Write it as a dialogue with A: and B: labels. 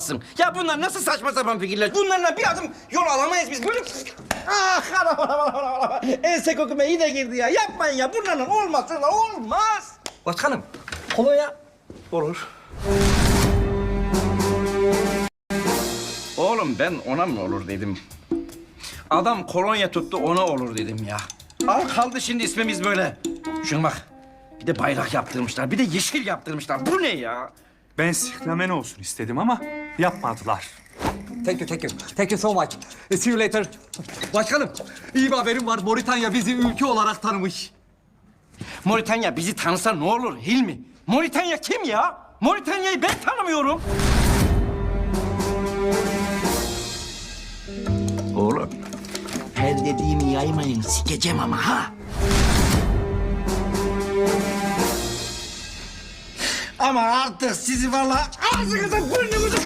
A: olmazsın. Ya bunlar nasıl saçma sapan fikirler? Bunlarla bir adım yol alamayız biz. Böyle... Ah, anam. Ense kokuma iyi de girdi ya. Yapmayın ya. Bunlarla olmaz. Şunlar olmaz.
B: Başkanım, kolonya olur.
A: Oğlum ben ona mı olur dedim. Adam kolonya tuttu ona olur dedim ya. Al kaldı şimdi ismimiz böyle. Şuna bak. Bir de bayrak yaptırmışlar. Bir de yeşil yaptırmışlar. Bu ne ya?
C: Ben siklamen olsun istedim ama yapmadılar.
B: Thank you, thank you. Thank you so much. See you later. Başkanım, iyi bir haberim var. Moritanya bizi ülke olarak tanımış.
A: Moritanya bizi tanısa ne olur Hilmi? Moritanya kim ya? Moritanya'yı ben tanımıyorum. Oğlum, her dediğimi yaymayın, sikeceğim ama ha. Ama artık sizi vallahi ağzınıza burnunuza